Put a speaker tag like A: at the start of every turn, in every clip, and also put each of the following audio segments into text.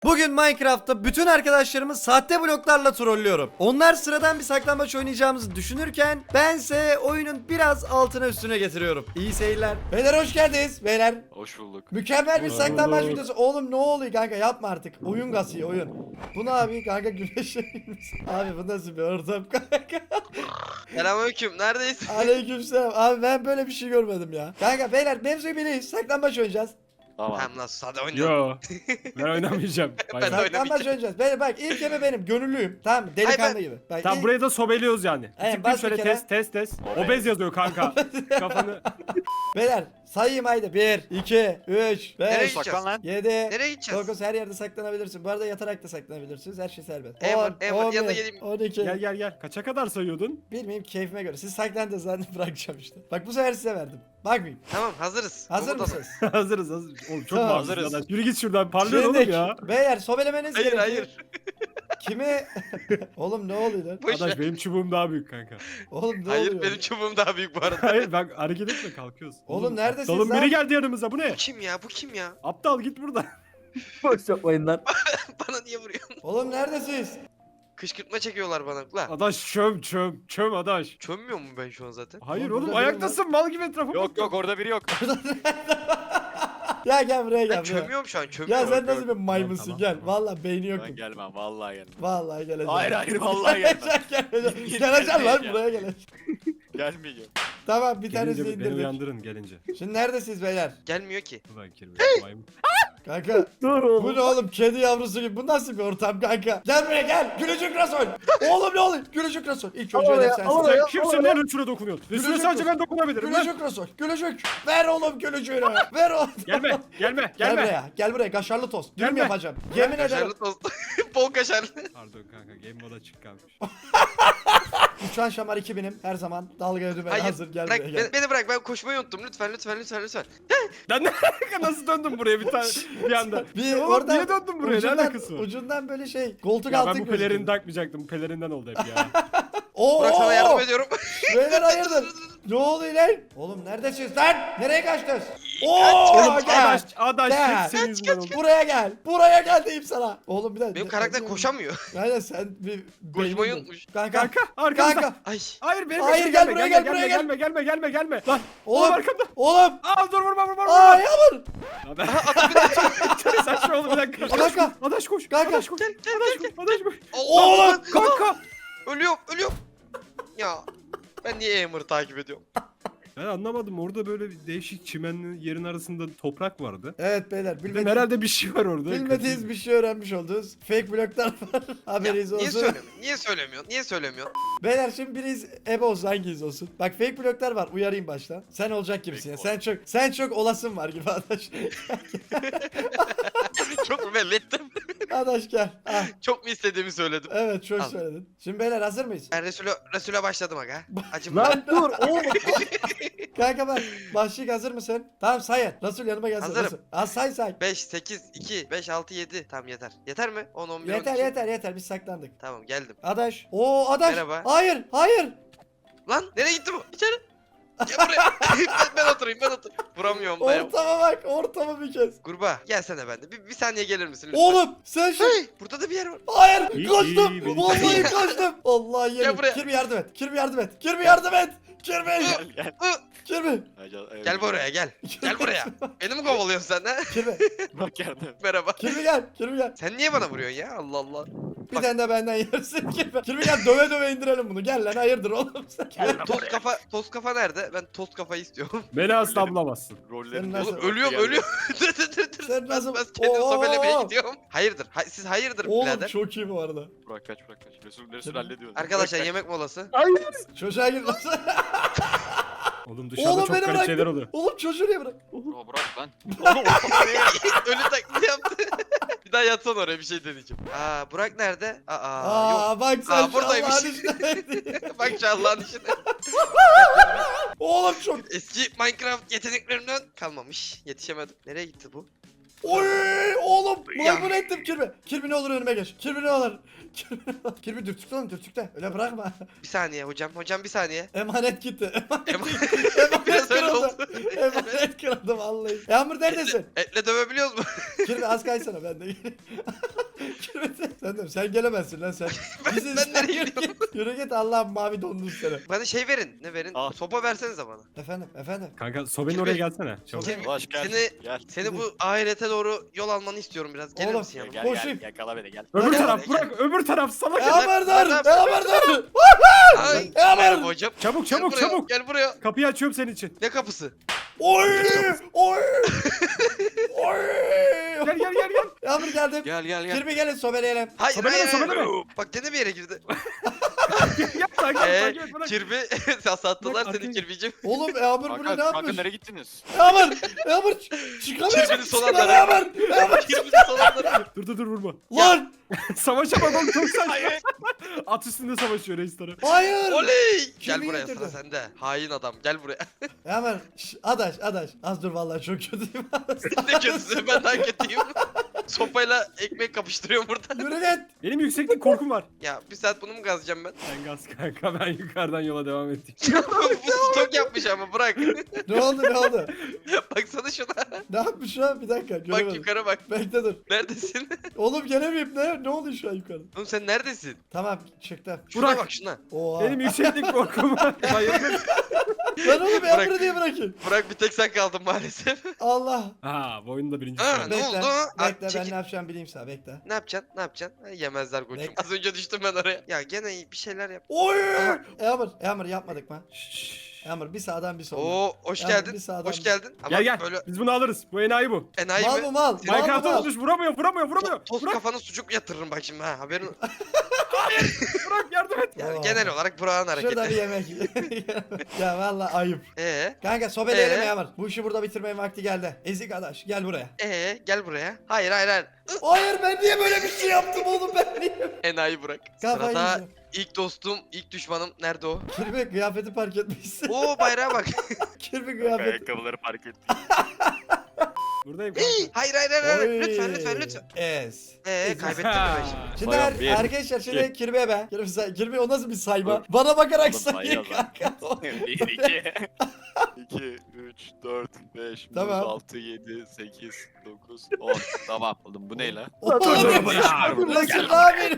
A: Bugün Minecraft'ta bütün arkadaşlarımı sahte bloklarla trollüyorum. Onlar sıradan bir saklambaç oynayacağımızı düşünürken bense oyunun biraz altına üstüne getiriyorum. İyi seyirler. Beyler hoş geldiniz. Beyler.
B: Hoş bulduk.
A: Mükemmel bir
C: Hoş
A: saklambaç
C: bulduk.
A: videosu. Oğlum ne oluyor kanka, yapma artık. Oyun kasıyor oyun. Bu ne abi kanka, güneşe abi bu nasıl bir ortam kanka.
D: Selamünaleyküm. Neredeyiz?
A: Aleykümselam. Abi ben böyle bir şey görmedim ya. Kanka beyler mevzuyu biliyoruz. Saklambaç oynayacağız.
B: Tamam.
D: Hem nasıl hadi oynayalım.
C: Yo. Ben oynamayacağım.
D: Ben
C: Bay
D: de
C: bay.
A: Saklambaç oynayacağız. Beyler bak, ilk ebe benim. Gönüllüyüm. Tamam mı? Delikanlı
D: Hayır,
A: gibi. Bak,
C: Tamam
A: ilk-
C: buraya da sobeliyoruz yani.
A: Evet,
C: Tıklayayım
A: bas bir
C: şöyle
A: kere.
C: test. Obez yazıyor kanka. Kafanı.
A: Beyler sayayım haydi. 1, 2, 3,
D: Nereye
A: 5,
D: gideceğiz?
B: Saklan lan.
A: 7,
D: Nereye gideceğiz?
A: 9, her yerde saklanabilirsin. Bu arada yatarak da saklanabilirsiniz. Her şey serbest.
D: Emir,
A: 10,
D: yanına
A: 11,
D: geleyim.
A: 12.
C: Gel. Kaça kadar sayıyordun?
A: Bilmeyeyim, keyfime göre. Siz saklandınız zaten, bırakacağım işte. Bak bu sefer size verdim. Bakmayayım.
D: Tamam hazırız.
A: Hazır
D: Komutanım.
A: mısınız?
C: hazırız. Oğlum çok
A: Tamam.
C: hazırız.
B: Hazırız.
C: Yürü git şuradan parlıyor oğlum
A: Şimdi
C: ya.
A: beyler sobelemeniz
D: Hayır
A: gerekiyor.
D: hayır.
A: Kimi? Oğlum ne oluyor lan?
D: Boş ver.
C: Adaş benim çubuğum daha büyük kanka.
A: Oğlum ne
D: Hayır
A: oluyor?
D: benim çubuğum daha büyük bu arada.
C: Hayır bak hareket etme kalkıyoruz.
A: Oğlum neredesiniz
C: Oğlum
A: lan?
C: biri geldi yanımıza bu ne?
D: Bu kim ya? Bu kim ya?
C: Aptal git buradan.
E: Boş yapmayın lan.
D: Bana niye vuruyorsun?
A: Oğlum neredesiniz?
D: Kışkırtma çekiyorlar bana. La.
C: Adaş çöm adaş.
D: Çömmüyor mu ben şu an zaten?
C: Hayır
A: Oğlum,
C: oğlum
A: burada
C: ayaktasın mal gibi etrafa
B: Yok
C: bak.
B: yok orada biri yok.
A: Ya gel buraya
D: Ben
A: gel buraya.
D: çömüyorum şu an.
A: Ya
D: Çömüyorum.
A: sen nasıl bir maymunsun,
C: Tamam,
A: gel.
C: tamam.
A: Vallahi beyni yok.
B: Ben gelmem vallahi gelmem.
A: Vallahi geleceğim.
B: Hayır vallahi gelmem.
A: Geleceğim lan
B: Gelmeyeceğim.
A: buraya geleceğim.
B: Gelmeyeceğim.
A: Tamam, bir tanesini
C: Gelince beni
A: indirdik.
C: uyandırın gelince.
A: Şimdi neredesiniz beyler?
D: Gelmiyor ki.
C: Ulan kirli maymun.
A: Kanka
E: Dur
A: bu
E: oğlum.
A: ne oğlum, kedi yavrusu gibi, bu nasıl bir ortam kanka? Gel buraya gel, gülücük Rasul. Oğlum ne oluyor, gülücük Rasul. İlk önce
E: Al
A: hedef
E: ya,
A: sensin.
E: al
C: Sen
E: ya.
C: kimsin lan rütüne dokunuyorsun? Rütüne
A: Gülücük
C: sadece
A: yok.
C: ben dokunabilirim lan.
A: Gülücük Rasul, gülücük. Ver oğlum gülücüğünü, ver oğlum.
C: Gelme
A: Gel buraya, gel buraya, kaşarlı tost. Dürüm
C: Gelme.
A: yapacağım. Yemin ederim.
D: Kaşarlı tost. Bol kaşarlı.
C: Pardon kanka game moda çık kalmış.
A: Uçan şamar 2000'im her zaman. Dalgaya dümen
D: Hayır.
A: hazır, gel
D: Bırak,
A: buraya gel.
D: beni bırak. Ben koşmayı unuttum. Lütfen.
C: Lan nasıl döndüm buraya bir anda?
A: Bir
C: Oğlum,
A: orada
C: niye döndüm buraya? Ne alakası var?
A: ucundan böyle şey, koltuk
C: Ya
A: altı
C: ben bu
A: gözüküyor.
C: pelerini takmayacaktım. Bu pelerinden oldu hep ya.
A: Oo!
D: Burak sana yardım ediyorum.
A: Beyler hayırdır? Ne oluyor lan? Oğlum neredesiniz lan? Nereye kaçtınız? Oo!
C: Oğlum
A: Gel.
C: adaş
A: Gel.
C: hep senin yüzünden oldu.
A: Buraya gel. Buraya gel diyeyim sana. Oğlum bir dakika.
D: Benim karakter koşamıyor.
A: Aynen, sen bir
D: Koşmayı
A: beynin-
D: unutmuş.
A: Kanka.
C: Kanka arkamızda.
A: Kanka.
D: Ay.
C: Hayır benim
A: Hayır,
C: peşime
A: gel
C: gelme,
A: buraya,
C: gelme,
A: gel buraya,
C: gelme. Lan
A: Oğlum.
C: arkamda.
A: Oğlum.
C: Aa dur vurma.
A: Aa yağmur.
C: Abi. Saçma oldu bir dakika.
A: Kanka.
C: Adaş koş.
A: Kanka.
C: Adaş koş. Adaş koş.
A: Oğlum.
C: Kanka.
D: Ölüyorum. Ya. Ben niye Emir'i takip ediyorum?
C: Ben anlamadım orada böyle bir değişik çimenli yerin arasında toprak vardı.
A: Evet beyler,
C: Dedim
A: bilmediğiniz,
C: herhalde bir şey var orada.
A: bilmediğiniz bir şey öğrenmiş oldunuz. Fake bloklar var. Haberiniz
D: Niye
A: olsun.
D: söylemiyorsun? Niye söylemiyorsun?
A: Beyler şimdi biriniz ebe olsun, hanginiz olsun? Bak fake bloklar var, uyarayım baştan. Sen olacak gibisin ya. Sen çok olasın var gibi adaş.
D: Çok mu belli ettim?
A: Adaş gel. Ah,
D: Çok mu istediğimi söyledim?
A: evet çok
D: Al.
A: söyledin. Şimdi beyler hazır mıyız?
D: Ben Resul'e başladım aga. Acım
E: Lan dur oğlum.
A: Kanka bak, başlık hazır mısın? Tamam sayın. Resul yanıma gelsin.
D: Hazırım.
A: Resul. Az say.
D: 5, 8, 2, 5, 6, 7. Tamam yeter. Yeter mi? 10, 11, 12.
A: Yeter biz saklandık.
D: Tamam geldim.
A: Adaş. Oo Adaş.
D: Merhaba.
A: Hayır.
D: Lan nereye gitti bu? İçeri. Gel buraya. ben oturayım. Vuramıyorum da.
A: Ortama bak, ortama bir kez.
D: Kurbağa gelsene bende. Bir saniye gelir misin lütfen?
A: Oğlum sen şu...
D: Hey, burada da bir yer var.
A: Hayır
C: İyi,
A: koştum.
C: iyi, beni
A: Vallahi
D: çek.
A: koştum. Allah yerim.
D: buraya.
A: Kirby yardım et. Kirby yardım et. Kirby yardım et. Kirby.
B: Gel.
A: Kirby.
D: Gel buraya gel. Gel buraya. Beni mi kovalıyorsun sen ha?
A: Kirby.
B: Bak yardım.
D: Merhaba.
A: Kirby gel. Kirby gel.
D: Sen niye bana vuruyorsun ya? Allah Allah.
A: Bir tane de benden yersin Kirby. Kirby gel, döve indirelim bunu. Gel lan, hayırdır oğlum sen.
D: Toz kafa nerede? Ben toz kafayı istiyorum.
C: Beni asla bulamazsın.
B: Rollerin
A: Sen nasıl-
D: Oğlum ölüyorum. Dur.
A: Sen nasıl-
D: Ben kendi
A: Oo!
D: sobelemeye gidiyorum. Hayırdır? Siz hayırdır
A: Oğlum
D: birader?
A: çok iyi bu arada.
B: Burak kaç. Resul hallediyor.
D: Arkadaşlar
B: Burak,
D: yemek molası.
C: Hayır.
A: Çocuğa gir lan.
C: Oğlum dışarıda
A: Oğlum
C: çok
A: beni
C: garip
A: bırak.
C: şeyler oluyor.
A: Oğlum çocuğu niye bırak?
B: Aa, Burak lan.
D: Ölü taklidi yaptı. Bir daha yatsan oraya bir şey deneyeceğim. Aa Burak nerede? Aa yok.
A: Bak sen
D: Aa,
A: şu
D: buradaymış.
A: Allah'ın işine.
D: Bak şu Allah'ın işine.
A: Oğlum çok.
D: Eski Minecraft yeteneklerimden kalmamış. Yetişemedim. Nereye gitti bu?
A: Oy oğlum
D: Ya.
A: maymun ettim Kirby. Kirby ne olur önüme geç. Kirby ne olur. Kirby dürtükle lan dürtükle. Öyle bırakma.
D: Bir saniye hocam. Hocam bir saniye.
A: Emanet gitti.
D: Ema- Biraz öyle oldu.
A: Emanet kırıldı vallahi. Yağmur neredesin?
D: Etle dövebiliyoruz mu?
A: Kirby az kaysana ben de geleyim. Kirby sen gelemezsin lan sen. Bizi
D: ben
A: sen
D: nereye
A: yürü
D: gidiyorum?
A: git. Yürü git Allah'ım mavi dondun seni.
D: Bana şey verin. Ne verin?
B: Al.
D: Sopa versenize bana.
A: Efendim.
C: Kanka sobenin
D: Kirby.
C: oraya gelsene. Çabuk.
D: Kirby,
B: Ulaş gel.
D: Seni,
B: Gel.
D: seni bu ahirete doğru yol almanı istiyorum biraz. Gelir
A: Oğlum,
D: misin yanıma?
B: Gel
A: Koşayım.
B: gel. Yakala beni gel.
C: Öbür
D: Gel,
C: taraf
D: gel.
C: bırak öbür taraf salak.
A: Yağmur dur. Yağmur dur.
D: Ay,
A: Yağmur.
D: merhaba hocam.
C: Çabuk
D: Gel
C: çabuk
D: buraya,
C: çabuk.
D: Gel buraya.
C: Kapıyı açıyorum senin için.
D: Ne kapısı?
A: Oy. Oy. Oy.
C: Gel gel gel gel.
A: Yağmur geldim.
B: Gel gel gel.
A: Kirby gelin sobeleyelim.
D: Hayır
C: Sobeleme,
D: hayır. hayır.
C: sobeleme.
D: Bak gene bir yere girdi.
C: Yap takip takip et bırak.
D: Kirbi sattılar
C: Bak,
D: seni
C: arkaya-
D: Kirbicim.
A: Oğlum Yağmur bunu ne
B: Kanka
A: yapmış?
B: nereye gittiniz?
A: Yağmur. Yağmur. Çıkamıyor.
D: Kirby'nin son
A: Çıkamıyor
D: anları.
A: Yağmur. Yağmur.
D: Kirbinin sonları.
C: Dur vurma.
A: Lan.
C: Savaşamam çok saçma.
B: Hayır.
C: At üstünde savaşıyor reisleri.
A: Hayır.
D: Oley. Gel
A: Kirby
D: buraya
A: getirdi.
D: sıra sende. Hain adam gel buraya.
A: Yağmur. Adaş. Az dur vallahi çok kötüyüm.
D: ne kötüsü ben daha kötüyüm. Sopayla ekmek kapıştırıyorum burada.
A: Yürü git.
C: Benim yükseklik korkum var.
D: Ya bir saat bunu mu gazacağım ben?
C: Sen gaz kanka ben yukarıdan yola devam ettim.
D: bu stok yapmış ama bırak.
A: Ne oldu?
D: Baksana şuna.
A: Ne yapmış şu an? Bir dakika.
D: Bak
A: Göremedim.
D: yukarı bak.
A: Bekle dur.
D: Neredesin?
A: Oğlum gelemeyim ne? Ne oluyor şu an yukarı?
D: Oğlum sen neredesin?
A: Tamam çıktım.
D: Şuna
C: Burak.
D: bak şuna.
A: Oha.
C: Benim yükseklik korkum var. Bayıldım.
A: Ben oğlum
D: Bırak.
A: Yağmur'u diye bırakayım.
D: Burak bir tek sen kaldın maalesef.
A: Allah.
C: Ha bu oyunda birinci
D: Ha,
C: sıra.
D: ne
A: Bekle.
D: oldu?
A: Bekle ben
D: Çekil.
A: ne yapacağım bileyim sana bekle.
D: Ne yapacaksın? Ne yapacaksın? Ha, yemezler koçum.
A: Bekle.
D: Az önce düştüm ben oraya. Ya gene bir şeyler yap.
A: Oy!
D: Aha.
A: Yağmur yapmadık mı?
C: Şşş.
A: Yağmur bir sağdan bir soldan.
D: Oo hoş
A: Ya,
D: geldin.
A: bir sağdan
D: Hoş
A: bir-
D: geldin. Ama
C: Gel gel.
D: böyle
C: Biz bunu alırız. Bu enayi bu.
D: enayi
A: Mal
D: mi?
A: bu mal. Mal bu
C: Minecraft'a
A: mal.
C: olmuş vuramıyor.
D: Toz
C: Burak,
D: kafanı sucuk yatırırım bak şimdi ha haberin.
C: Burak yardım et.
D: Yani
A: Oo.
D: genel olarak Burak'ın
A: Şurada bir
D: hareketi.
A: yemek. Ya vallahi ayıp. Kanka sobeleyelim Yağmur. Bu işi burada bitirmenin vakti geldi. Ezik adaş gel buraya.
D: Gel buraya. Hayır hayır hayır.
A: Hayır ben niye böyle bir şey yaptım oğlum ben niye?
D: Enayi Burak.
A: Kafayı
D: Sırada
A: yiyeceğim.
D: ilk dostum, ilk düşmanım nerede o?
A: Kirby kıyafeti park etmişsin.
D: Oo bayrağa bak.
A: Kirby kıyafeti.
B: Ayakkabıları fark et.
C: Buradayım kanka.
D: hayır hayır hayır. hayır.
A: Oy.
D: Lütfen.
A: Es.
D: Kaybettim mi ben şimdi?
A: Şimdi
B: Sayalım, bir,
A: arkadaşlar şimdi Kirby'ye ben. Kirby o nasıl bir sayma?
B: Dur.
A: Bana bakarak
B: Oğlum,
A: sayıyor
B: sayıyor lan.
A: kanka.
B: 1, 2, 2, 3, 4, 5,
A: Tamam.
B: 6, 7, 8, 9, 10. Tamam oğlum bu ne la?
A: Oğlum
C: buraya.
A: Resul abi.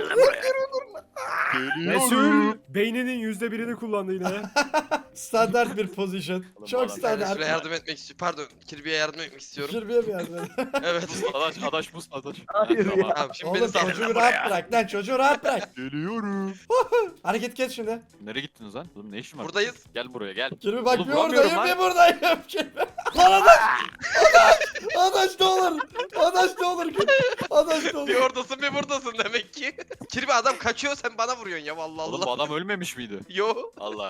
C: Resul beyninin %1'ini kullandı yine.
A: Standart bir pozisyon.
B: Oğlum,
A: Çok
B: adam-
D: Ben
A: standart.
D: Resul'e yardım etmek istiyorum. Pardon, Kirby'ye yardım etmek istiyorum.
A: Kirby'ye mi yardım edin?
D: Evet.
B: Adaş buz adaş.
E: Hayır ya.
D: Tamam şimdi beni
A: Oğlum
D: sal.
A: çocuğu rahat bırak lan çocuğu rahat bırak.
B: Geliyorum.
A: Hareket kes şimdi.
B: Nereye gittiniz lan? Oğlum ne işin var?
D: Buradayız.
B: Gel buraya gel.
A: Kirby bak
B: Oğlum,
A: bir
B: vuramıyorum
A: oradayım
B: lan.
A: bir buradayım. Kirby. Lan adaş. Adaş ne olur. Adaş ne olur. Adaş ne olur.
D: Bir oradasın bir buradasın demek ki. Kirby adam kaçıyor sen bana vuruyorsun ya vallahi
B: Oğlum bu
D: Allah.
B: adam ölmemiş miydi?
D: Yo.
B: Allah.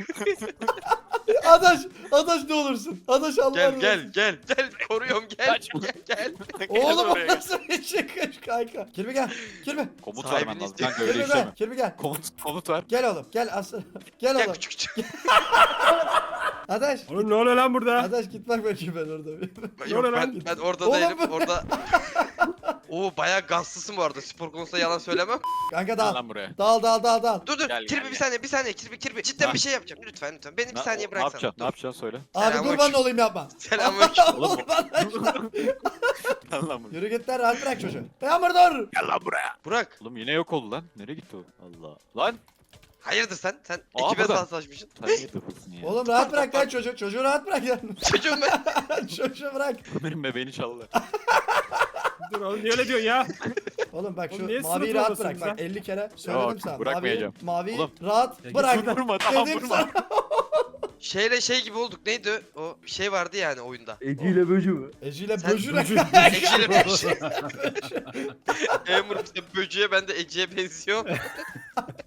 A: Adaş ne olursun. Adaş Allah
D: Gel koruyorum gel
B: Kaçma.
D: gel.
A: Oğlum o
B: oraya.
A: nasıl bir çıkış kanka. Kirby gel. Kirby.
B: Komut
D: Sahibini
B: vermen lazım.
D: istiyor.
B: Kanka öyle
A: Kirby
B: işleme.
A: gel. Kirby gel.
B: Komut ver.
A: Gel oğlum gel aslan. Gel
D: Gel
A: oğlum.
D: küçük.
A: Adaş.
C: Oğlum ne oluyor lan burada?
A: Adaş git bak bakayım ben orada.
D: Yok
C: lan?
D: ben orada
A: Oğlum
D: değilim
A: bu-
D: orada. Oo bayağı gazlısın bu arada spor konusunda yalan söylemem.
A: Kanka
B: Gel
A: dal.
B: lan buraya.
A: Dal.
D: Dur
B: Gel,
D: Kirby
B: gel,
D: bir saniye Kirby cidden
B: Ha.
D: bir şey yapacağım lütfen beni bir
B: Ne-
D: saniye
B: Ne
D: bıraksana.
B: yapacaksın? Ne yapacaksın söyle.
A: Abi
D: Selamünaleyküm.
A: kurban olayım yapma.
D: Selamünaleyküm.
B: Oğlum,
A: Oğlum,
B: Gel lan buraya.
A: Yürü git lan rahat bırak çocuğu. Yağmur dur.
B: Gel lan buraya.
D: Burak
B: Oğlum yine yok oldu lan. Nereye gitti o? Allah. Lan.
D: hayırdır sen
B: Aa,
D: ekibe
B: burada.
D: salsalaşmışsın.
B: Sen niye durursun ya?
A: Oğlum rahat bırak lan çocuğu. Çocuğu rahat bırak ya.
D: Çocuğum ben.
A: Çocuğu bırak.
B: Benim bebeğini çaldılar.
C: Dur oğlum niye öyle diyorsun ya?
A: Oğlum bak
C: Oğlum niye
A: şu maviyi
C: sınıf
A: rahat
C: oradasın
A: bırak. Bak
C: sen?
A: 50 kere söyledim
B: Yok,
A: sana.
B: bırakmayacağım.
A: Maviyi
B: Oğlum.
A: rahat
C: Ya git
A: bırak.
C: şuradan.
B: Vurma tamam
A: Dedim
B: vurma.
A: sana.
D: Şeyle şey gibi olduk neydi o bir şey vardı yani oyunda.
E: Eci ile böcü mü?
A: Eciyle
D: Sen-
A: böcüre.
D: Eciyle böcüğe. Emur işte böcüğe ben de Ece'ye benziyorum.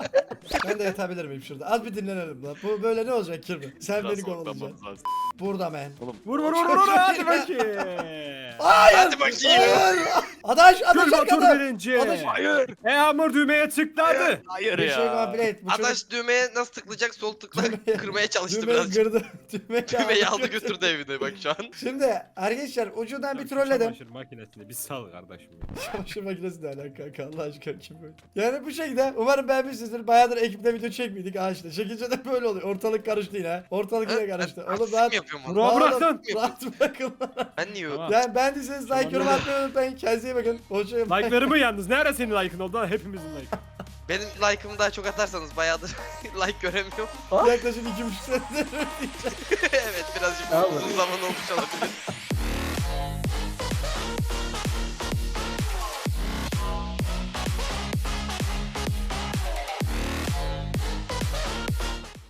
A: Ben de yatabilir miyim şurada? Az bir dinlenelim lan. Bu böyle ne olacak Kirby? Sen
B: Biraz
A: beni kovalayacaksın.
B: ortamamız lazım.
A: Burada men.
C: Vur hadi bakayım.
A: Hayır.
D: Hadi bakayım.
A: Hayır. Adaş
C: Gül Batur
A: arkada.
C: birinci.
A: Adaş-
B: Hayır.
C: Hamur düğmeye tıkladı.
B: Hayır
A: Bir
B: ya.
A: şey complete. Bu çocuk
D: Adaş düğmeye nasıl tıklayacak? Sol tıkla
A: Düğmeye-
D: kırmaya çalıştı
A: düğmeyi
D: birazcık.
A: kırdı.
D: Düğmeyi aldı götürdü evine bak şu an.
A: Şimdi arkadaşlar ucundan bir trolledim.
C: Çamaşır makinesini bir sal kardeşim.
A: Çamaşır makinesi ne alaka kanka Allah aşkına kim böyle? Yani bu şekilde umarım beğenmişsinizdir. Bayağıdır ekipte video çekmiyorduk ha işte. Çekince de böyle oluyor. Ortalık karıştı yine. Ortalık yine karıştı. Oğlum
D: Artistlik
A: rahat.
D: mi yapıyorum onu?
C: Burak bırak lan.
A: Rahat bırakın.
D: Ben niye
C: Tamam.
A: Yani beğendiyseniz like yorum atmayı unutmayın. Kendinize iyi bakın. Hoşçakalın.
C: Like'larımı yalnız. Nerede senin like'ın oldu? Hepimizin like.
D: Benim like'ımı daha çok atarsanız bayağıdır like göremiyorum.
A: Yaklaşık 2,5 senedir.
D: Evet birazcık
E: Tamam.
D: uzun zaman olmuş olabilir.